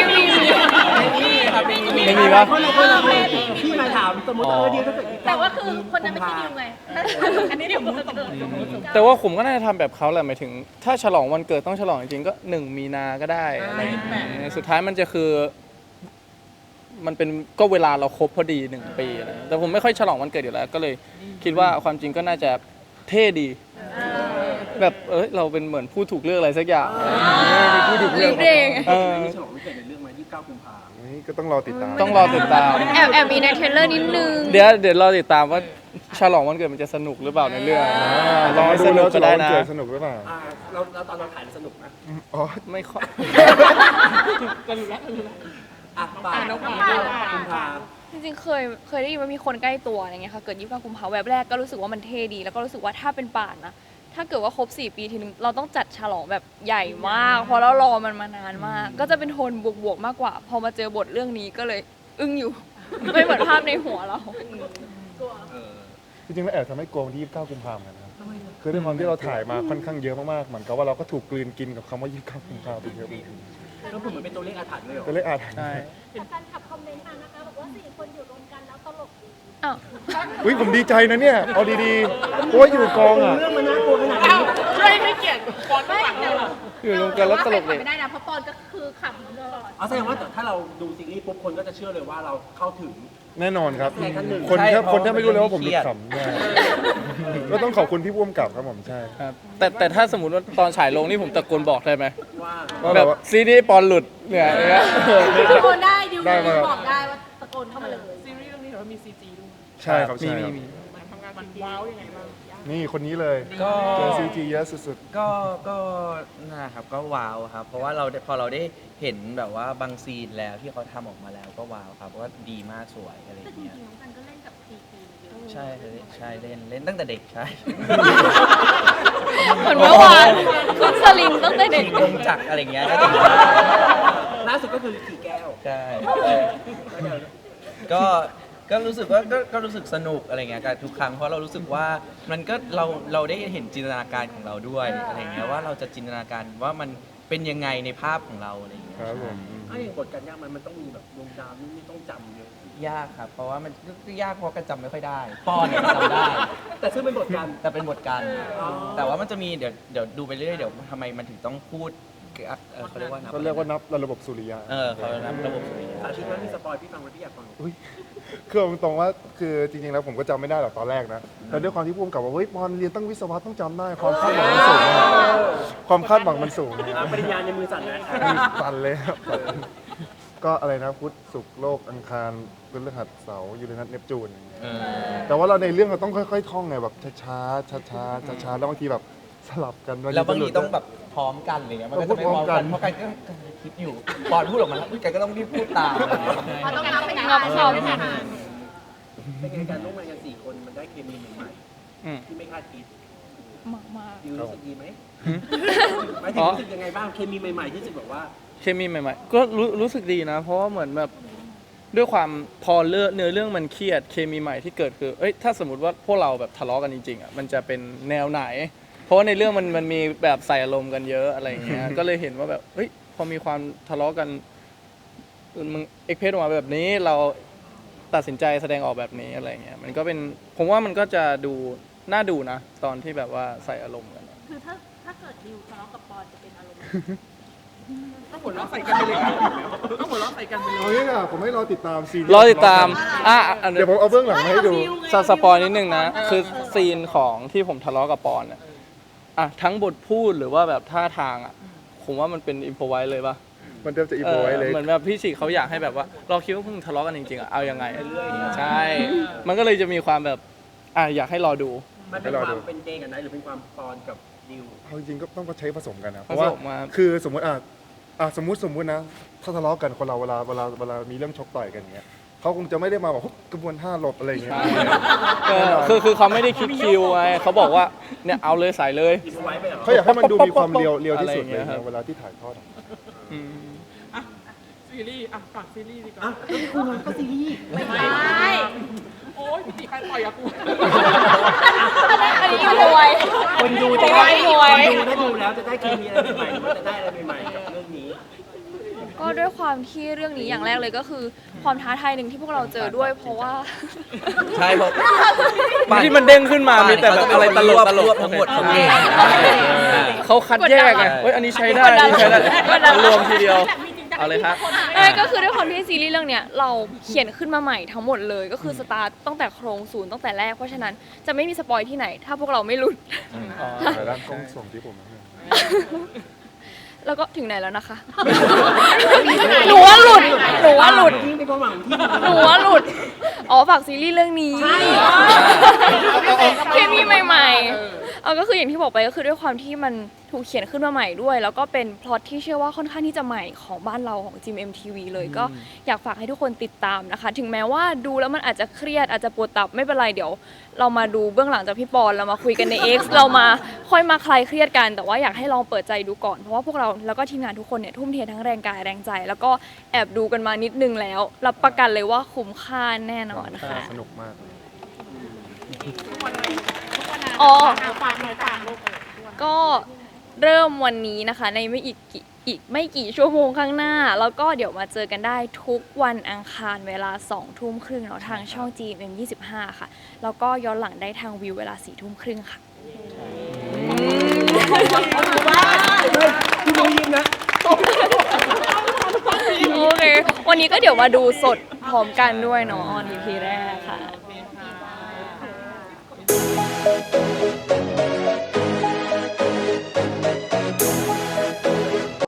[SPEAKER 2] ไม่มีปะ
[SPEAKER 3] คนพี่มาถามสมมติเดียวถ้าเกิด
[SPEAKER 1] แต่ว่าคือคนนั้นไม่ใช่ดิวไง อันนี้ดิวสมมติ
[SPEAKER 2] แต่ว่าผมก็น่าจะทำแบบเขาแหละหมายถึง ถ้าฉลองวันเกิดต้องฉลองจริงๆก็1 มีนาก็ได้อะไรอย่างเงี้ยสุดท้ายมันจะคือ มันเป็นก็เวลาเราครบพอดี1 ปีอะไรแต่ผมไม่ค่อยฉลองวันเกิดอยู่แล้ว ก็เลยคิดว่าความจริงก็น่าจะเท่ดี แบบเราเป็นเหมือนผู้ถูกเลือกอะไรสักอย่างเป็นผู้ถูกเลือก
[SPEAKER 7] เด็ก
[SPEAKER 3] มีฉลองวันเกิดในเรื่องไหม29 กุมภา
[SPEAKER 4] นี่ก็ต้องรอติดตาม
[SPEAKER 2] ต้องรอติดตาม
[SPEAKER 7] แอบมีในเทรลเลอร์นิดนึง
[SPEAKER 2] เดี๋ยวรอติดตามว่าฉลองวันเกิดมันจะสนุกหรือเปล่าในเรื่อง
[SPEAKER 4] รอ
[SPEAKER 2] ไม่
[SPEAKER 4] ดู
[SPEAKER 2] สนุ
[SPEAKER 4] แล้
[SPEAKER 2] ก
[SPEAKER 4] ว
[SPEAKER 2] ก็
[SPEAKER 4] จะ
[SPEAKER 2] ได้
[SPEAKER 4] ได้
[SPEAKER 2] นะ
[SPEAKER 4] เกิดสนุกหรือเปล่า
[SPEAKER 3] เราตอนเราถ่ายสนุกนะ
[SPEAKER 4] อ๋อ
[SPEAKER 2] ไม่ค่อย
[SPEAKER 3] อ่ะป่ากุมภา
[SPEAKER 7] จริงๆเคยได้ยินว่ามีคนใกล้ตัวอะไรเงี้ยค่ะเกิด29 กุมภาพันธ์แวบแรกก็รู้สึกว่ามันเท่ดี แล้วก็รู้สึกว่าถ้าเป็นป่านนะถ้าเกิดว่าครบ4 ปีทีนึงเราต้องจัดฉลองแบบใหญ่มากเพราะเรารอมันมานานมาก ก็จะเป็นโทนบวกๆมากกว่า พอมาเจอบทเรื่องนี้ก็เลยอึ้งอยู่ ไม่เหมือนภาพในหัวเรา
[SPEAKER 4] จริงๆแล้วแอบทำให้กลัววันที่29 กุมภาพันธ์เหมือนกันนะครับคือด้วยความที่เราถ่ายมาค่อนข้างเยอะมากๆเหมือนกับว่าเราก็ถูกกลืนกินกับคำว่า29 กุมภาพันธ์ไปเยอะเลย
[SPEAKER 3] ก็เหมือนเป็นตัวเลขอาถรรพ์เลยเหรอ
[SPEAKER 4] ก็เลยอาจ
[SPEAKER 2] ใช่
[SPEAKER 1] แต่แฟนคลับคอมเมนต์มานะคะบอกว่า4 คนอยู่รวมกันแล้วตลกดี
[SPEAKER 7] อ้าว
[SPEAKER 4] อุ้ยผมดีใจนะเนี่ยเอาดีๆเพราะว่าอยู่กองอ่ะ
[SPEAKER 3] เรื่องมันน่ากลัวขนาดนี้
[SPEAKER 6] ช่วยให้เกียรติฟอนต์ข้างหลังเลย
[SPEAKER 2] อยู่รวมกันแล้วตลกเลย
[SPEAKER 1] ไม่ได้นะเพราะปอนก็คือขำตลอด
[SPEAKER 3] เอาแสดงว่าถ้าเราดูซีรีส์ปุ๊บคนก็จะเชื่อเลยว่าเราเข้าถึง
[SPEAKER 4] แน่นอนครับ
[SPEAKER 3] ใช่ครับหนึ่ง
[SPEAKER 4] คน
[SPEAKER 5] ใช่
[SPEAKER 4] แค่
[SPEAKER 5] เพราะ
[SPEAKER 4] คนแค่ไม่รู้เลยว่าผม
[SPEAKER 5] มัน
[SPEAKER 4] หลุ
[SPEAKER 5] เครี
[SPEAKER 4] ด
[SPEAKER 5] ยด
[SPEAKER 4] ขำใช่ก็ต้องขอบคุณพี่พ่วงกับครับผมใช่
[SPEAKER 2] ครับแต่ถ้าสมมติว่าตอนฉายลงนี่ผมตะโกนบอกได้ไหม
[SPEAKER 3] ว่า
[SPEAKER 4] ว่า
[SPEAKER 2] แบบซีรีส์ปอนหลุดเนี่ยอย่างเงี้ย
[SPEAKER 1] ตะโกนได้ดิว
[SPEAKER 4] ได้มา
[SPEAKER 1] บอกได้ว่าตะโกนเข้ามาเลย
[SPEAKER 6] ซีรีส์เรื่องนี้ถือว่ามี CG ด้วย
[SPEAKER 4] ใช่ครับใช่ครับ
[SPEAKER 2] มี
[SPEAKER 6] มันทำงานมันว้าวยังไงบ้างยาก
[SPEAKER 4] นี่คนนี้เลย
[SPEAKER 5] ก็
[SPEAKER 4] เจอซีจีเยอะสุด
[SPEAKER 5] ก็นะครับก็ว้าวครับ เพราะว่าพอเราได้เห็นแบบว่าบางซีนแล้วที่เขาทำออกมาแล้วก็ว้าวครับเพราะว่าดีมากสวยอะไรอ
[SPEAKER 1] แต่
[SPEAKER 5] ย่าง
[SPEAKER 1] จริ
[SPEAKER 5] เงี้ย
[SPEAKER 1] งๆน้องกันก็เล่นกับซีจีเยอะ
[SPEAKER 5] ใช่ใช่เล่นตั้งแต่เด็กใช่
[SPEAKER 7] เหมือนเมื่อวานคุณสลิงตั้งแต่เด็ก
[SPEAKER 5] ขี่วงจักรอะไรอย่างเงี้ยก็จะ
[SPEAKER 3] ล่าสุดก็คือขี่แก้ว
[SPEAKER 5] ใช่ก็รู้สึกว่าก็รู้สึกสนุกอะไรเงี้ยกับทุกครั้งเพราะเรารู้สึกว่ามันก็เราได้เห็นจินตนาการของเราด้วยอะไรเงี้ยว่าเราจะจินตนาการว่ามันเป็นยังไงในภาพของเราอะไรเงี้
[SPEAKER 4] ๆ
[SPEAKER 5] ย
[SPEAKER 4] ครับผม
[SPEAKER 3] ถ้าอย่างบทการยากมันต้องมีแบบดวงดาวนี่ไม่ต้องจำเยอะ
[SPEAKER 5] ยากครับ เพราะว่ามันก็ยากเพราะกันจำไม่ค่อยได้ป้อนเนี่ยจำได้
[SPEAKER 3] แต่ซึ่งเป็นบทการ
[SPEAKER 5] แต่เป็นบทการ
[SPEAKER 3] อ๋อ
[SPEAKER 5] แต่ว่ามันจะมีเดี๋ยวดูไปเรื่อยเดี๋ยวทำไมมันถึงต้องพูดเขาเรียกว่านับ
[SPEAKER 4] เขาเรียกว่านับระบบสุริยะ
[SPEAKER 5] เขานับระบบสุริยะ
[SPEAKER 3] สาธิตว่ามีสปอยพี่ฟังไว้พี่อยากฟัง
[SPEAKER 4] คือเอาตรงๆว่าคือจริงๆแล้วผมก็จำไม่ได้หรอกตอนแรกนะแต่ด้วยความที่พ่วงกับว่าเฮ้ยบอลเรียนตั้งวิศวะต้องจำได้ความคาดหวังมันสูงมากความคาดหวังมันสูงนะ
[SPEAKER 3] ปริญญาในมือสั่นแล้ว
[SPEAKER 4] สั่นเลยครับก็อะไรนะพุธศุกร์โลกอังคารพฤหัสเสาร์ยูเรนัสเนปจูนอย่างเงี้ยแต่ว่าเราในเรื่องเราต้องค่อยๆท่องไงแบบช้าๆช้าๆช้าๆแล้วบางทีแบบสลับกัน
[SPEAKER 5] แล้วบางทีต้องแบบพร้อมกันอะไรเงี้ยมันก็จะไม่พร้อมกันเพราะกันก็คิดอยู่ปอนพูดออกมาแล้วกันก็ต้องรีบพูดตามอะไรเงี้ย
[SPEAKER 1] เพราะต้องนับไป
[SPEAKER 7] งับเขา
[SPEAKER 3] เป็นไงการร่วมงานกัน4 คนมันได้เคมีใหม่
[SPEAKER 2] อืม
[SPEAKER 3] ๆที่ไม่คาดคิด
[SPEAKER 7] มาก
[SPEAKER 3] ดิวรู้สึกดีไหม
[SPEAKER 2] หืม
[SPEAKER 3] หมายถึงรู้สึกยังไงบ้างเคมีใหม่ๆที่รู้สึกแบบว่า
[SPEAKER 2] เคมีใหม่ๆ ก็รู้สึกดีนะ เพราะว่าเหมือนแบบด้วยความพอเนื้อเรื่องมันเครียดเคมีใหม่ที่เกิดคือเอ้ยถ้าสมมติว่าพวกเราแบบทะเลาะกันจริงๆอ่ะมันจะเป็นแนวไหน เพราะว่าในเรื่องมันมีแบบใส่อารมณ์กันเยอะอะไรอย่างเงี้ย ก็เลยเห็นว่าแบบเฮ้ยพอมีความทะเลาะกันมึงเอ็กเพรสออกมาแบบนี้เราตัดสินใจแสดงออกแบบนี้อะไรเงี้ยมันก็เป็นผมว่ามันก็จะดูน่าดูนะ ตอนที่แบบว่าใส่อารมณ์กัน
[SPEAKER 1] คือถ้าเกิดดิวทะเลาะกับปอนจะเป็นอารมณ์
[SPEAKER 6] ต้องหัวเราะใส่กันไปเลยครับต้องหัวเราะใส่กันไปเลย
[SPEAKER 4] เอางี้ค่ะผมให้รอติดตามซีรีส์
[SPEAKER 2] รอติดตามอัน
[SPEAKER 4] เดี๋ยวผมเอาเบื้องหลังมาให้ดู
[SPEAKER 2] สปอยนิดนึงนะ คือซีนของที่ผมทะเลาะกับปอนทั้งบทพูดหรือว่าแบบท่าทางผมว่ามันเป็นอินโฟไว้เลยป่ะ
[SPEAKER 4] มันเริ่มจะอีโบไว้เลย
[SPEAKER 2] เหมือนแบบพี่ฉีเขาอยากให้แบบว่าเราคิดว่าพวกมึงทะเลาะกันจริงๆเอายังไงใช่ มันก็เลยจะมีความแบบอยากให้รอดู
[SPEAKER 3] มันเป็นความเป็นเจกันไหนหรือเป็นความปอนกับดิว
[SPEAKER 4] เอาจริงๆก็ต้องใช้ผสมกันนะเพ
[SPEAKER 2] ผ
[SPEAKER 4] ราะ
[SPEAKER 2] ส
[SPEAKER 4] ว่าม
[SPEAKER 2] มา
[SPEAKER 4] คือสมมติสมมตินะถ้าทะเลาะกันคนเราเวลามีเรื่องชกต่อยกันอย่างเงี้ยเขาคงจะไม่ได้มาแบบกระบวนท่าหลบอะไรอย่างเงี้ย
[SPEAKER 2] คือเขาไม่ได้คิดคิวไงเขาบอกว่าเนี่ยเอาเลยใส่เลย
[SPEAKER 3] อินไว้ไปเหรอ
[SPEAKER 4] เขาอยากให้มันดูมีความเรียวที่สุด
[SPEAKER 2] อะไรอย่าง
[SPEAKER 4] เล
[SPEAKER 2] เงี้
[SPEAKER 4] ย
[SPEAKER 2] ยครับ
[SPEAKER 4] นะเวลาที่ถ่ายทอด
[SPEAKER 2] อืม
[SPEAKER 6] อ่ะซีรีส์อ่ะฝากซีรีส์ดีกว่า
[SPEAKER 3] อ่ะแล้วคุณมันก็ซีรีส์
[SPEAKER 1] ไม่ได้
[SPEAKER 6] โอ้ยพี่ตีใครปล่อยอะกู
[SPEAKER 7] อันนี้อินโฟไว้
[SPEAKER 3] คนดู
[SPEAKER 7] จะ
[SPEAKER 3] จะ
[SPEAKER 7] ได้
[SPEAKER 3] ได้ดูแล้วจะได้เคมีอะไรใหม่ๆหรือว่าจะได้อะไรใหม่ๆกับเรื่องนี้
[SPEAKER 7] ก็ด้วยความที่เรื่องนี้อย่างแรกเลยก็คือ ความท้าทายหนึ่งที่พวกเราเจอด้วย เพราะว่า
[SPEAKER 5] ใช่เพราะ
[SPEAKER 2] ที่มันเด้งขึ้นมามีแต่แบบอะไรตลก
[SPEAKER 5] รวบทั้งหมดของเอง
[SPEAKER 2] เขาคัดแยกไงเฮ้ยอันนี้ใช้ได้อันนี้ใช้ได้รวมทีเดียวเอาเลยครับ
[SPEAKER 7] ก็คือด้วยความที่ซีรีส์เรื่องเนี้ยเราเขียนขึ้นมาใหม่ทั้งหมดเลย ก็คือสตาร์ตตั้งแต่โครงศูนย์ตั้งแต่แรกเพราะฉะนั้นจะไม่มีสปอยที่ไหน ถ้าพวกเราไม่หลุด
[SPEAKER 4] แต่ด้านกล้องส่งที่ผมนะ
[SPEAKER 7] แล้วก็ถึงไหนแล้วนะคะ หนูว่าหลุด หนูว่าหลุด
[SPEAKER 3] ยิ่งเป็นความหวังที่
[SPEAKER 7] หนูว่าหลุด อ๋อฝากซีรีส์เรื่องนี้เคมีใหม่ๆก็คืออย่างที่บอกไปก็คือด้วยความที่มันถูกเขียนขึ้นมาใหม่ด้วย แล้วก็เป็นพล็อตที่เชื่อว่าค่อนข้างที่จะใหม่ของบ้านเราของ GMMTV เลยก็อยากฝากให้ทุกคนติดตามนะคะ ถึงแม้ว่าดูแล้วมันอาจจะเครียดอาจจะปวดตับไม่เป็นไรเดี๋ยว เรามาดูเบื้องหลังจากพี่ปอนเรามาคุยกันใน X เรามาค่อยมาคลายเครียดกัน แต่ว่าอยากให้ลองเปิดใจดูก่อนเพราะว่าพวกเราแล้วก็ทีมงานทุกคนเนี่ยทุ่มเททั้งแรงกายแรงใจ แล้วก็แอบดูกันมานิดนึงแล้วรับประกันเลยว่าคุ้มค่าแน่นอนค่ะ
[SPEAKER 4] สนุกมาก
[SPEAKER 6] ทุกวันนะ
[SPEAKER 7] อ๋อ
[SPEAKER 1] ฝากหน่อยฝากลูก
[SPEAKER 7] ก็เริ่มวันนี้นะคะในอีกไม่กี่ชั่วโมงข้างหน้า แล้วก็เดี๋ยวมาเจอกันได้ทุกวันอังคารเวลา 2 ทุ่มครึ่งเนาะทางช่อง GMM 25 ค่ะ แล้วก็ย้อนหลังได้ทางวิวเวลา 4 ทุ่มครึ่งค่ะ
[SPEAKER 3] คุณโมยิมนะ
[SPEAKER 7] โอเค วันนี้ก็เดี๋ยวมาดูสดพร้อมกันด้วยเนาะออน EP แรกค่ะ